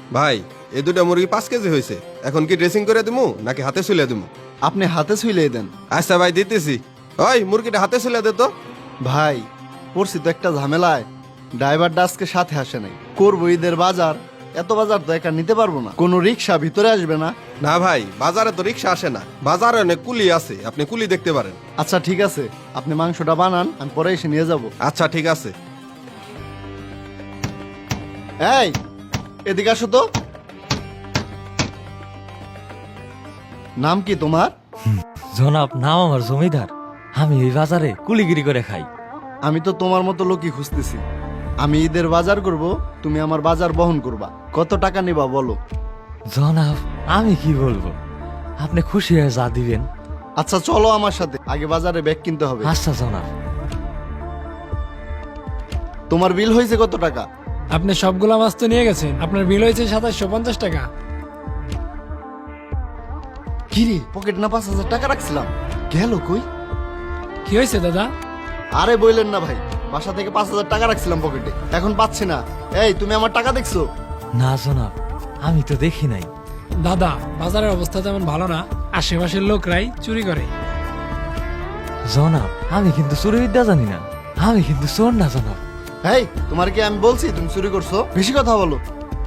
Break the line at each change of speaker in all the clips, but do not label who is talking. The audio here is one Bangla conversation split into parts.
ভাই এই দুটা মুরগি 5 কেজি হয়েছে, এখন কি ড্রেসিং করে দিমু নাকি হাতে ছুলে দিমু?
আপনি হাতে ছুইলে দেন।
আচ্ছা ভাই দিতেছি। ওই মুরগিটা হাতে ছুলে দে তো।
ভাই পড়ছি তো একটা ঝামেলায়, ড্রাইভারটা আজকে সাথে আসে নাই। করবো ঈদের বাজার, এত বাজার তো একা নিতে পারবো না। কোনো রিক্সা ভিতরে আসবে না?
না ভাই, বাজারে তো রিক্সা আসে না, বাজারে অনেক কুলি আছে, আপনি কুলি দেখতে পারেন।
আচ্ছা ঠিক আছে, আপনি মাংসটা বানান, আমি পরে এসে নিয়ে যাব।
আচ্ছা ঠিক আছে।
এই এদিকে আসো তো। নাম কি তোমার?
জনাব, নাম আমার জমিদার। আমি এই বাজারে কুলিগিরি করে খাই।
আমি তো তোমার মতো লোকই খুঁজতেছি। আমি ঈদের বাজার করব, তুমি আমার বাজার বহন করবা। কত টাকা নিবা বলো?
জনাব, আমি কি বলবো, আপনি খুশি হয়ে যা দিবেন।
আচ্ছা চলো আমার সাথে, আগে বাজারে ব্যাগ কিনতে হবে।
আচ্ছা জনাব।
তোমার বিল হয়েছে কত টাকা?
আপনি সবগুলা মাছ তো নিয়ে গেছেন, আপনার বিল হয়েছে 2750 টাকা।
কিরে পকেট না 5000 টাকা রাখছিলাম, গেল কই?
কি হয়েছে দাদা?
আরে বললেন না ভাই, বাসা থেকে 5000 টাকা রাখছিলাম পকেটে, এখন পাচ্ছি না। এই তুমি আমার টাকা দেখছো?
না জনাব, আমি তো দেখি নাই।
দাদা, বাজারের অবস্থা তেমন ভালো না, আশেপাশের লোকরাই চুরি করে।
জনাব, আমি কিন্তু চুরিবিদ্যা জানি না, আমি কিন্তু চোর না জনাব।
এই তোমার কি আমি বলছি তুমি চুরি করছো? বেশি কথা বলো।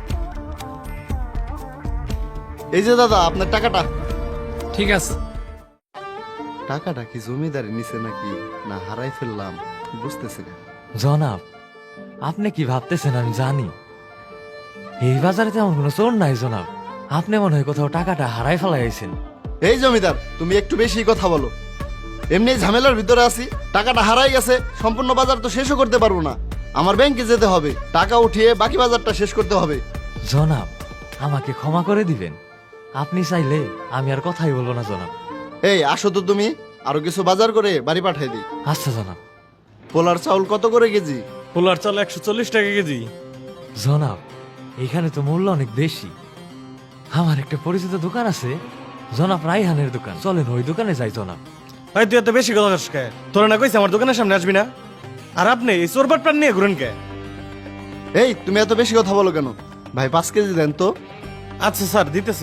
এই যে দাদা আপনার টাকাটা।
ঠিক আছে।
টাকাটা কি জমিদারি নিছে নাকি না হারাই ফেললাম বুঝতেছি না।
জনাব, আপনি কি ভাবতেছেন আমি জানি। এই বাজারে তেমন কোনো চোর নাই জনাব, আপনি মনে হয় কোথাও টাকাটা হারাই ফেলাইছেন।
এই জমিদার তুমি একটু বেশি কথা বলো। এমনি ঝামেলার ভিতরে আছি, টাকাটা হারাই গেছে, সম্পূর্ণ বাজার তো শেষও করতে পারবো না। আমার ব্যাংকে যেতে হবে, টাকা উঠিয়ে বাকি বাজারটা শেষ করতে হবে।
জনাব, আমাকে ক্ষমা করে দিবেন, আপনি চাইলে আমি আর কথাই বলবো না জনাব।
এই আসো তো তুমি, আরো কিছু বাজার করে বাড়ি পাঠাই দিই।
আচ্ছা জনাব।
পোলার চাউল কত করে কেজি?
পোলার চাল 140 টাকা কেজি।
জনাব, এখানে তো মূল্য অনেক বেশি। আমার একটা পরিচিত দোকান আছে, জনাব রাইহানের দোকান, চলেন ওই দোকানে যাই জনাব।
ভাই তুই এত বেশি কথা কে? তোরা না কইছে আমার দোকানের সামনে আসবি না? আর আপনি এই চোরবাট প্রাণ নিয়ে ঘুরেন কে?
এই তুমি এত বেশি কথা বলো কেন? ভাই 5 কেজি দেন তো।
আচ্ছা স্যার দিতেছি।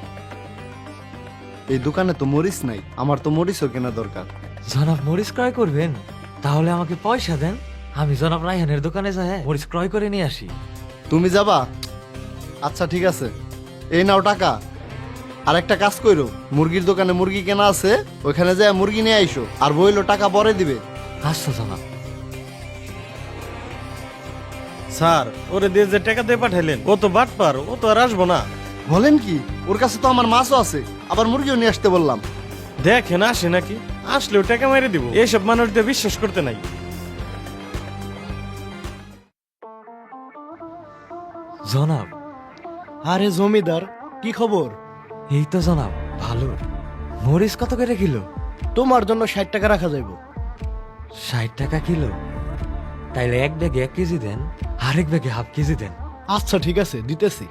এই দোকানে তো মরিচ নাই, আমার তো মরিচও কেনা দরকার।
জনাব মরিচ ক্রয় করবেন? তাহলে আমাকে পয়সা দেন, আমি জনাব রাইহানের দোকানে যাই মরিচ ক্রয় করে নিয়ে আসি।
তুমি যাবা? আচ্ছা ঠিক আছে, এই নাও টাকা। আর একটা কাজ কইরো, মুরগির দোকানে মুরগি কেনা আছে, ওইখানে যায় মুরগি নিয়ে আইসো, আর বইলো টাকা পরে দিবে।
আচ্ছা জনাব।
স্যার ওরে দিয়ে যে টাকা দিয়ে পাঠাইলেন ও তো বাটপার, ও তো আর আসবো না।
বলেন কি? ওর কাছে তো আমার মাছও আছে, আবার মুরগিও নিয়ে আসতে বললাম।
দেখেন আসে নাকি, আসলেও টাকা মেরে দিব। এইসব মানুষদের বিশ্বাস করতে নাই।
জনাব।
আরে জমিদার, কি খবর?
এই তো জনাব ভালো। মরিচ কত করে কিলো?
তোমার জন্য 60 টাকা রাখা যাইব।
60 টাকা কিলো? তাইলে এক ব্যাগে 1 কেজি দেন, আরেক ব্যাগে হাফ কেজি দেন।
আচ্ছা ঠিক আছে, দিতেছি।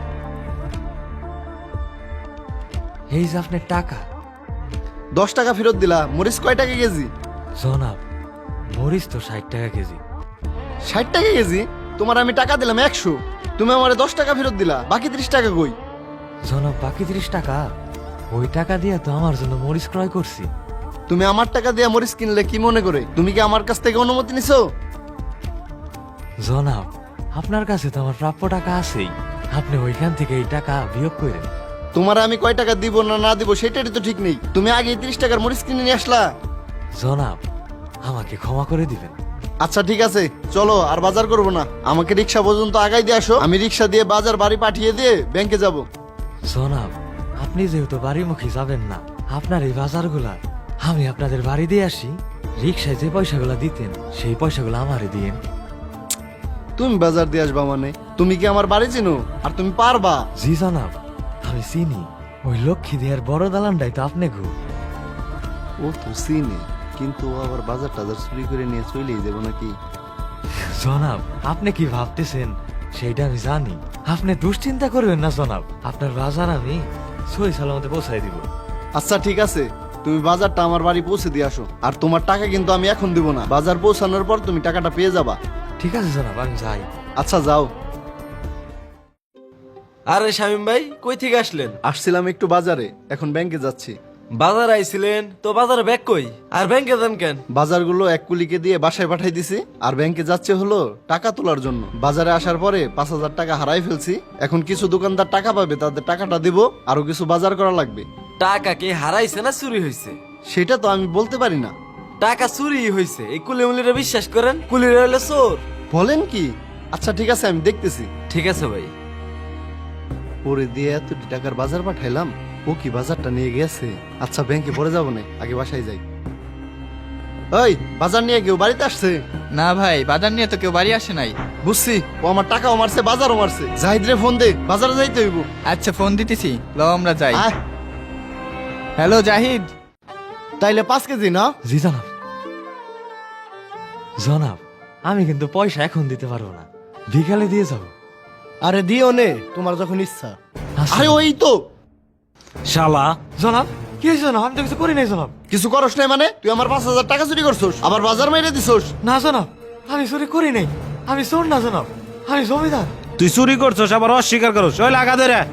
এই যে আপনার টাকা।
10 টাকা ফেরত দিলা, মরিচ কয় টাকা কেজি?
জনাব, মরিচ তো 60 টাকা কেজি।
60 টাকা কেজি? তোমার আমি টাকা দিলাম 100, তুমি আমারে 10 টাকা ফেরত দিলা, বাকি 30 টাকা কই?
জনাব বাকি 30 টাকা, ওই টাকা দিয়ে তো আমার জন্য মরিচ ক্রয় করছি।
তুমি আমার টাকা দিয়ে মরিচ কিনলে কি মনে করে? তুমি কি আমার কাছ থেকে অনুমতি নিছো?
জনাব, আপনার কাছে তো আমার প্রাপ্য টাকা আছেই, আপনি ওইখান থেকে এই টাকা বিয়োগ করেন।
তোমার আমি কয় টাকা দিব না না দিব সেটারই তো ঠিক নেই। তুমি আগে 30 টাকার মরিচ কিনে নিয়ে আসলা।
জনাব, আমাকে ক্ষমা করে দিবেন।
আচ্ছা ঠিক আছে, চলো আর বাজার করবো না, আমাকে রিক্সা পর্যন্ত আগাই দিয়ে আসো, আমি রিক্সা দিয়ে বাজার বাড়ি পাঠিয়ে দিয়ে ব্যাংকে যাব।
জনাব, আপনি যেহেতু বাড়িমুখী যাবেন না, আপনার এই বাজারগুলা আমি আপনাদের বাড়ি দিয়ে আসি, রিক্সায় যে পয়সাগুলা দিতেন সেই পয়সাগুলো আমারে দিয়েন।
তুমি বাজার দিয়ে আসবা মানে? তুমি কি আমার বাড়ি চিনো? আর তুমি পারবা?
জি জনাব, আমি চিনি, ওই লক্ষ্মী দেয়ার বড় দালানটাই তো আপনি ঘু।
ও তো চিনে, কিন্তু ও আবার বাজার টাজার চুরি করে নিয়ে চলেই যাবো নাকি?
জনাব, আপনি কি ভাবতেছেন সেইটা আমি জানি, আপনি দুশ্চিন্তা করবেন না জনাব, আপনার বাজার আমি সই সালামতে পৌঁছাই দিব।
আচ্ছা ঠিক আছে, তুমি বাজারটা আমার বাড়ি পৌঁছে দিয়ে আসো, আর তোমার টাকা কিন্তু আমি এখন দিব না, বাজার পৌঁছানোর পর তুমি টাকাটা পেয়ে যাবা।
ঠিক আছে জনাব, আমি যাই।
আচ্ছা যাও।
আরে শামিম ভাই কই থেকে আসলেন?
আসছিলাম একটু বাজারে, এখন ব্যাংকে যাচ্ছি।
বাজার আইছিলেন তো বাজারে ব্যাগ কই? আর ব্যাংকে যান কেন?
বাজারগুলো এক কুলিকে দিয়ে বাসায় পাঠাই দিছি, আর ব্যাংকে যাচ্ছে হলো টাকা তোলার জন্য। বাজারে আসার পরে 5,000 টাকা হারাই ফেলছি। এখন কিছু দোকানদার টাকা পাবে, তাদের টাকাটা দিব, আরো কিছু বাজার করা লাগবে।
টাকা কি হারাইছে না চুরি হয়েছে?
সেটা তো আমি বলতে পারি না।
টাকা চুরি হয়েছে, এই কুলিমুলিরা বিশ্বাস করেন? কুলিরা হইলে চোর।
বলেন কি? আচ্ছা ঠিক আছে, আমি দেখতেছি।
ঠিক আছে ভাই।
পরে দিয়ে এত টাকার বাজার পাঠাইলাম, ও কি বাজারটা নিয়ে গেছে? আচ্ছা ব্যাংকে পরে যাবো না, আগে বাসায় যাই। ওই বাজার নিয়ে কেউ বাড়িতে আসছে?
না ভাই, বাজার নিয়ে তো কেউ বাড়ি আসে নাই।
বুঝছি, ও আমার টাকাও মারছে, বাজারও মারছে। জাহিদ রে ফোন দে, বাজারে যাইতে হইব।
আচ্ছা ফোন দিতেছি, লও আমরা যাই।
আয়।
হ্যালো জাহিদ।
তাইলে 5 কেজি না?
জি জনাব। জনাব, আমি কিন্তু পয়সা এখন দিতে পারবো না, বিকালে দিয়ে যাবো।
আরে দিও নে, তোমার যখন ইচ্ছা।
আরে ওই তো।
শালা জনাব, কি হয়েছে জনাব? আমি তো কিছু করি নাই জনাব।
কিছু করস নাই মানে? তুই আমার 5,000 টাকা চুরি করছস, আবার বাজার মেরে দিছস।
না জনাব, আমি চুরি করি নাই। আমি চোর না জনাব, আমি জমিদার।
তুই চুরি করছস আবার অস্বীকার করছ, ওই লাগা দে রে।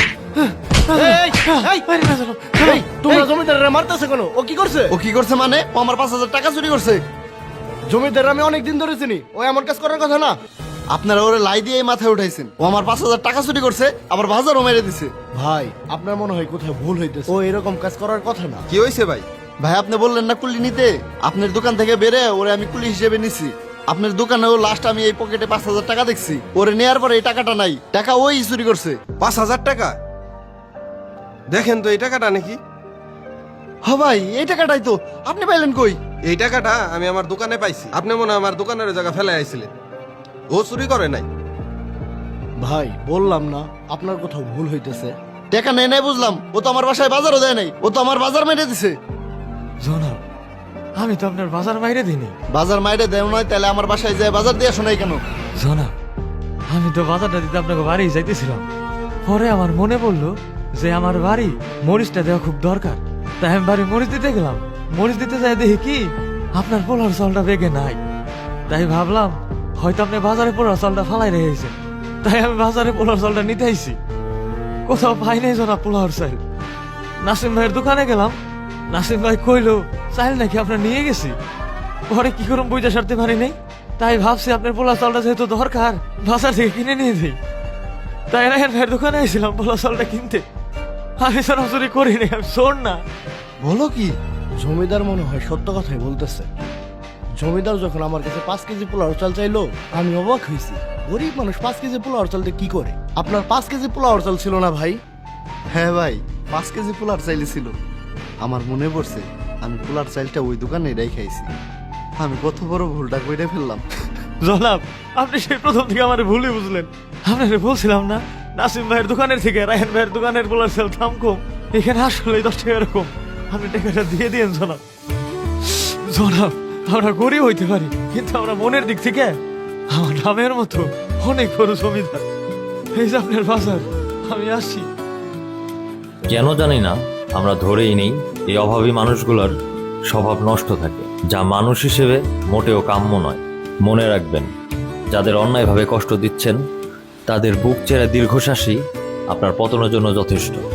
আরে না জনাব,
এই তোমরা জমিদাররা মারতেছে কেন? ও কি করছে?
ও কি করছে মানে? ও আমার 5,000 টাকা চুরি করছে।
জমিদার আমি অনেক দিন ধরে চিনি, ও এমন কাজ করার কথা না।
আপনারা ওরে লাই দিয়ে মাথায় উঠাইছেন। ও আমার 5,000 টাকা চুরি করছে, আবার বাজারও মেরে দিছে।
ভাই আপনার মনে হয় কোথায় ভুল হইতেছে, ও এরকম কাজ করার কথা না।
কি হয়েছে ভাই?
ভাই আপনি বললেন না কুলি নিতে, আপনার দোকান থেকে বেরে ওরে আমি কুলি হিসেবে নিছি। আপনার দোকানেও লাস্ট আমি এই পকেটে 5,000 টাকা দেখছি। ওরে নেয়ার পরে এই টাকাটা নাই, টাকা ওই চুরি করছে।
5,000 টাকা? দেখেন তো এই টাকাটা নাকি?
হ ভাই, এই টাকাটাই তো। আপনি পাইলেন কই?
এই টাকাটা আমি আমার দোকানে পাইছি। আপনি মনে হয় আমার দোকানের জায়গা ফেলে আইছিলেন। ও চুরি করে নাই।
ভাই বললাম না, আপনার কোথাও ভুল হইতেছে।
টাকা নেই নাই বুঝলাম, ও তো আমার বাসায় বাজারও দেয় নাই, ও তো আমার বাজার মেরে দিছে।
জনাব, আমি তো আপনার বাজার বাইরে দিইনি।
বাজার মাইরে দেয় নয়, তাহলে আমার বাসায় যায় বাজার দিয়ে শোনাই কেন?
জনাব, আমি তো বাজারটা দিতে আপনাকে বাড়ি যাইতেছিলাম। পরে আমার মনে পড়লো যে আমার বাড়ি মরিচটা দেওয়া খুব দরকার। তাই আমি বাড়ি মরিচ দিতে গেলাম। মরিচ দিতে যাই দেখি কি আপনার পোলার চালটা বেগে নাই। তাই ভাবলাম হয়তো আপনি বাজারে পোলার চালটা ফালাই রেখেছেন। তাই আমি বাজারে পোলার চালটা নিতে আইছি। কোথাও পাই নাই জনাব পোলার চাল। নাসিম ভাইয়ের দোকানে গেলাম, নাসিম ভাই কইলো চাল নাকি আপনার নিয়ে গেছি। পরে কি করুন বুঝতে সারতে পারি নাই। তাই ভাবছি আপনার পোলা চালটা যেহেতু দরকার, বাজার থেকে কিনে নিয়ে দিই। তাই রায়হান ভাইয়ের দোকানে আইছিলাম পোলা চালটা কিনতে। আমি সরাসরি করিনি, আমি শোন না।
বলো কি?
জমিদার মনে হয় সত্য কথাই বলতেছে। জমিদার যখন আমার কাছে 5 কেজি পোলাও চাল চাইলো, আমি অবাক হয়েছি। গরিব মানুষ 5 কেজি পোলাও চাল দিয়ে কি করে? আপনার 5 কেজি পোলাও চাল ছিল না ভাই?
হ্যাঁ ভাই, 5 কেজি পোলার চাইলে ছিল। আমার মনে পড়ছে আমি পোলার চাইলটা ওই দোকানে খাইছি। আমি কত বড় ভুলটা কইরে ফেললাম।
জনাব, আপনি সেই প্রথম থেকে আমার ভুলই বুঝলেন। আপনাকে বলছিলাম না নাসিম ভাইয়ের দোকানের থেকে রায়হান ভাইয়ের দোকানের পোলার চাল দাম কম। এখানে আসলে 10 টাকা এরকম। আপনি টাকাটা দিয়ে দিন জনাব। জনাব, আমরা গরিব হইতে পারি, কিন্তু আমরা মনের দিক থেকে আমার নামের মতো অনেক বড় জমিদার। এই যে আপনার বাজার, আমি আসি।
কেন জানি না, আমরা ধরেই নেই এই অভাবী মানুষগুলোর স্বভাব নষ্ট থাকে, যা মানুষ হিসেবে মোটেও কাম্য নয়। মনে রাখবেন, যাদের অন্যায়ভাবে কষ্ট দিচ্ছেন তাদের বুক চেরা দীর্ঘশ্বাসই আপনার পতনের জন্য যথেষ্ট।